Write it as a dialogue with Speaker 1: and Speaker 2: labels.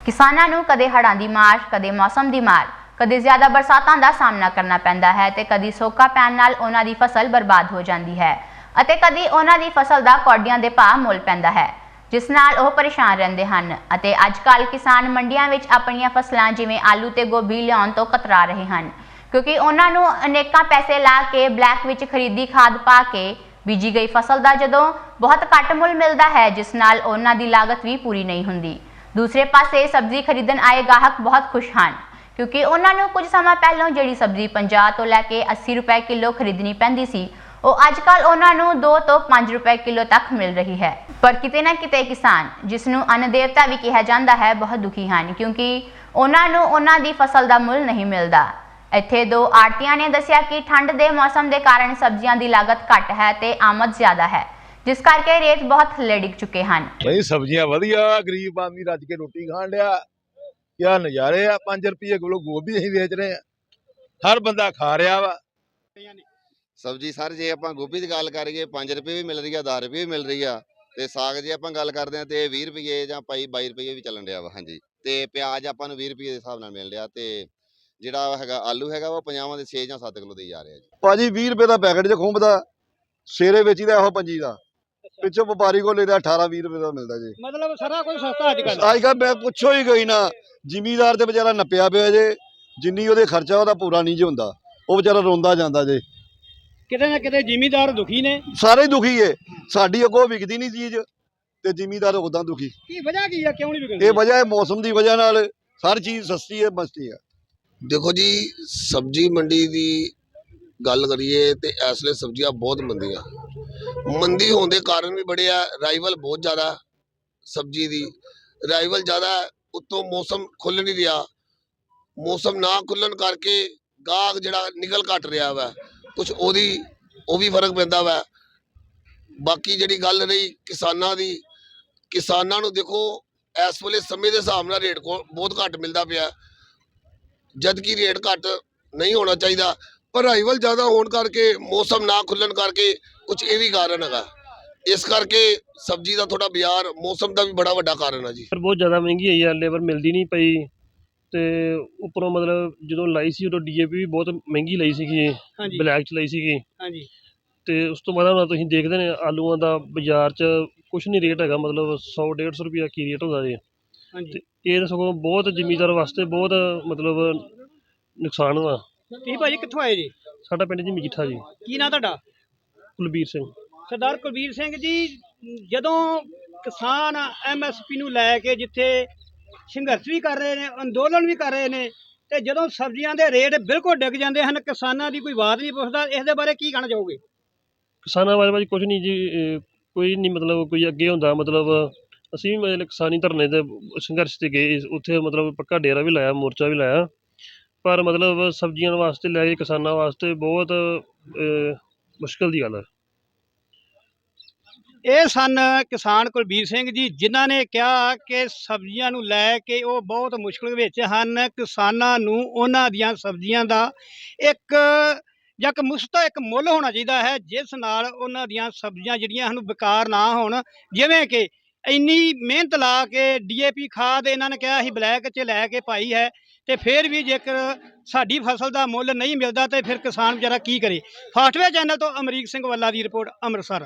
Speaker 1: किसानां नूं कदे हड़ां दी मार, कदे मौसम दी मार, कदे ज़्यादा बरसातां दा सामना करना पैंदा है ते कदी सोका पैण नाल उन्हां दी फसल बर्बाद हो जांदी है अते कदी उन्हां दी फसल दा कौडियां दे भाव मुल पैंदा है, जिस नाल ओह परेशान रहिंदे हन अते अजकल किसान मंडियां विच अपणीਆਂ फसलां जिवें आलू ते गोभी लिआउण तों कतरा रहे हन क्योंकि उन्हां नूं अनेकां पैसे ला के ब्लैक विच खरीदी खाद पा के बीजी गई फसल दा जदों बहुत घੱਟ मुल मिलदा है, जिस नाल उन्हां दी लागत भी पूरी नहीं हुंदी। दूसरे पासे सब्जी खरीदण आए गाहक बहुत खुश हैं क्योंकि उन्होंने कुछ समय पहलों जिहड़ी सब्जी 50 तो लैके 80 रुपए किलो खरीदनी पैंदी सी ਉਹ ਅੱਜਕੱਲ ਉਹਨਾਂ ਨੂੰ 2 ਤੋਂ 5 ਰੁਪਏ ਕਿਲੋ ਤੱਕ ਮਿਲ ਰਹੀ ਹੈ। ਪਰ ਕਿਤੇ ਨਾ ਕਿਤੇ ਕਿਸਾਨ ਜਿਸ ਨੂੰ ਅੰਨ ਦੇਵਤਾ ਵੀ ਕਿਹਾ ਜਾਂਦਾ ਹੈ ਬਹੁਤ ਦੁਖੀ ਹਨ ਕਿਉਂਕਿ ਉਹਨਾਂ ਨੂੰ ਉਹਨਾਂ ਦੀ ਫਸਲ ਦਾ ਮੁੱਲ ਨਹੀਂ ਮਿਲਦਾ। ਇੱਥੇ ਦੋ ਆੜਤੀਆਂ ਨੇ ਦੱਸਿਆ ਕਿ ਠੰਡ ਦੇ ਮੌਸਮ ਦੇ ਕਾਰਨ ਸਬਜ਼ੀਆਂ ਦੀ ਲਾਗਤ ਘੱਟ ਹੈ ਤੇ ਆਮਦ ਜ਼ਿਆਦਾ ਹੈ, जिस करके रेट बहुत थल्ले डिग चुके हैं।
Speaker 2: भाई सब्जियां वधिया, गरीब आदमी रज के रोटी खान लिया, क्या नज़ारे आ। 5 रुपये किलो गोभी असीं बेच रहे हैं, हर बंदा खा रहा वा
Speaker 3: सब्जी। सर जे आपां गोभी की गल करिए 5 रुपये भी मिल रही है, 10 रुपये भी मिल रही है। ते साग जे आपां गल करते हैं तो 20 रुपये जां 22 रुपये भी चलन रहा वा। हाँ जी, ते प्याज आपां नूं 20 रुपये के हिसाब नाल मिल रहा ते जिहड़ा हैगा आलू हैगा वो 50 ਦੇ 6 ਜਾਂ 7 किलो दे जा रहा जी।
Speaker 2: भाजी 20 रुपये का पैकेट जो खुंब दा सेरे बेचीदा ਇਹੋ 25 ਦਾ, पिछो व्यापारी को लेदा 18-20 रुपये का मिलता जी।
Speaker 4: मतलब सारा कुछ सस्ता
Speaker 2: अजकल मैं पुछो ही गई ना, जिमीदार ते बेचारा नप्पिया पिया जे, जिन्नी ओहदे खर्चा ओहदा पूरा नहीं जे हुंदा, ਉਹ बेचारा रोंदा ਜਾਂਦਾ जे।
Speaker 4: किते ना किते जिमीदार दुखी ने,
Speaker 2: ਸਾਰੇ ਦੁਖੀ ਏ। ਸਾਡੀ ਅੱਗੋਂ ਵਿਕਦੀ ਨਹੀਂ ਚੀਜ਼ ਤੇ ਜ਼ਿਮੀਦਾਰ ਉਦਾਂ ਦੁਖੀ।
Speaker 4: ਕੀ ਵਜ੍ਹਾ ਕੀ ਹੈ, ਕਿਉਂ ਨਹੀਂ ਵਿਕਦੀ?
Speaker 2: ਇਹ ਵਜ੍ਹਾ ਹੈ ਮੌਸਮ ਦੀ ਵਜ੍ਹਾ ਨਾਲ, ਹਰ ਚੀਜ਼ ਸਸਤੀ ਹੈ ਮਸਤੀ ਹੈ।
Speaker 5: देखो जी, सब्जी मंडी की गल करिए तो इस वे सब्जियां बहुत मंदियां, मंदी होने के कारण भी बड़े आ, राइवल बहुत ज़्यादा सब्जी की राइवल ज़्यादा, उत्तों मौसम खुल नहीं रहा, मौसम ना खुलन करके गाहक जिहड़ा निकल घट रहा वा, कुछ वो भी फर्क पैंदा वा। बाकी जिहड़ी गल रही किसानां दी, किसानां नूं देखो इस वेले समय के हिसाब नाल रेट को बहुत घट मिलता पिया, जबकि रेट घट नहीं होना चाहिए, पर राइवल ज़्यादा होने करके मौसम ना खुलन करके कुछ ये भी कारण है। इस करके सब्जी का थोड़ा बाजार मौसम का भी बड़ा वड्डा कारण है जी।
Speaker 6: बहुत ज़्यादा महंगी है यार, लेबर मिलती नहीं पई ते उपरों मतलब जो लाई सी उदों DAP भी बहुत महंगी लाई सी, ब्लैक च लाई सी।
Speaker 4: हाँ जी,
Speaker 6: ते उस तो बाद ਹੁਣ ਤੁਸੀਂ ਦੇਖਦੇ ਨੇ ਆਲੂਆਂ ਦਾ ਬਾਜ਼ਾਰ 'ਚ ਕੁਛ ਨਹੀਂ ਰੇਟ ਹੈਗਾ, ਮਤਲਬ 100-150 ਰੁਪਇਆ ਕੀ ਰੇਟ ਹੁੰਦਾ ਜੀ।
Speaker 4: ਹਾਂਜੀ,
Speaker 6: ਇਹ ਸਗੋਂ ਬਹੁਤ ਜ਼ਿਮੀਦਾਰ ਵਾਸਤੇ ਬਹੁਤ ਮਤਲਬ ਨੁਕਸਾਨ ਵਾ।
Speaker 4: ਤੁਸੀਂ ਭਾਜੀ ਕਿੱਥੋਂ ਆਏ ਜੀ?
Speaker 6: ਸਾਡਾ ਪਿੰਡ ਜੀ ਮਜੀਠਾ ਜੀ।
Speaker 4: ਕੀ ਨਾਂ ਤੁਹਾਡਾ?
Speaker 6: ਕੁਲਬੀਰ ਸਿੰਘ।
Speaker 4: ਸਰਦਾਰ ਕੁਲਬੀਰ ਸਿੰਘ ਜੀ, ਜਦੋਂ ਕਿਸਾਨ MSP ਨੂੰ ਲੈ ਕੇ ਜਿੱਥੇ ਸੰਘਰਸ਼ ਵੀ ਕਰ ਰਹੇ ਨੇ, ਅੰਦੋਲਨ ਵੀ ਕਰ ਰਹੇ ਨੇ, ਤੇ ਜਦੋਂ ਸਬਜ਼ੀਆਂ ਦੇ ਰੇਟ ਬਿਲਕੁਲ ਡਿੱਗ ਜਾਂਦੇ ਹਨ, ਕਿਸਾਨਾਂ ਦੀ ਕੋਈ ਬਾਤ ਨਹੀਂ ਪੁੱਛਦਾ, ਇਸ ਦੇ ਬਾਰੇ ਕੀ ਕਹਿਣਾ ਚਾਹੋਗੇ?
Speaker 6: ਕਿਸਾਨਾਂ ਬਾਰੇ ਭਾਜੀ ਕੁਛ ਨਹੀਂ ਜੀ, ਕੋਈ ਨਹੀਂ ਮਤਲਬ ਕੋਈ ਅੱਗੇ ਹੁੰਦਾ, ਮਤਲਬ ਅਸੀਂ ਵੀ ਮਤਲਬ ਕਿਸਾਨੀ ਧਰਨੇ ਤੇ ਸੰਘਰਸ਼ ਤੇ ਗਏ, ਉੱਥੇ ਮਤਲਬ ਪੱਕਾ ਡੇਰਾ ਵੀ ਲਾਇਆ, ਮੋਰਚਾ ਵੀ ਲਾਇਆ, ਪਰ ਮਤਲਬ ਸਬਜ਼ੀਆਂ ਵਾਸਤੇ ਲੈ ਕੇ ਕਿਸਾਨਾਂ ਵਾਸਤੇ ਬਹੁਤ ਮੁਸ਼ਕਲ ਦੀ ਗੱਲ ਹੈ।
Speaker 4: ਇਹ ਸਨ ਕਿਸਾਨ ਕੁਲਬੀਰ ਸਿੰਘ ਜੀ, ਜਿਨ੍ਹਾਂ ਨੇ ਕਿਹਾ ਕਿ ਸਬਜ਼ੀਆਂ ਨੂੰ ਲੈ ਕੇ ਉਹ ਬਹੁਤ ਮੁਸ਼ਕਲ ਵਿੱਚ ਹਨ। ਕਿਸਾਨਾਂ ਨੂੰ ਉਹਨਾਂ ਦੀਆਂ ਸਬਜ਼ੀਆਂ ਦਾ ਇੱਕ ਇੱਕ ਮੁੱਲ ਹੋਣਾ ਚਾਹੀਦਾ ਹੈ, ਜਿਸ ਨਾਲ ਉਹਨਾਂ ਦੀਆਂ ਸਬਜ਼ੀਆਂ ਜਿਹੜੀਆਂ ਹਨ ਬੇਕਾਰ ਨਾ ਹੋਣ। ਜਿਵੇਂ ਕਿ ਇੰਨੀ ਮਿਹਨਤ ਲਾ ਕੇ DAP ਖਾਦ ਇਹਨਾਂ ਨੇ ਕਿਹਾ ਅਸੀਂ ਬਲੈਕ 'ਚ ਲੈ ਕੇ ਪਾਈ ਹੈ, ਤੇ ਫਿਰ ਵੀ ਜੇਕਰ ਸਾਡੀ ਫਸਲ ਦਾ ਮੁੱਲ ਨਹੀਂ ਮਿਲਦਾ ਤੇ ਫਿਰ ਕਿਸਾਨ ਵਿਚਾਰਾ ਕੀ ਕਰੇ। ਫਾਸਟਵੇ ਚੈਨਲ ਤੋਂ ਅਮਰੀਕ ਸਿੰਘ ਵੱਲਾ ਦੀ ਰਿਪੋਰਟ, ਅੰਮ੍ਰਿਤਸਰ।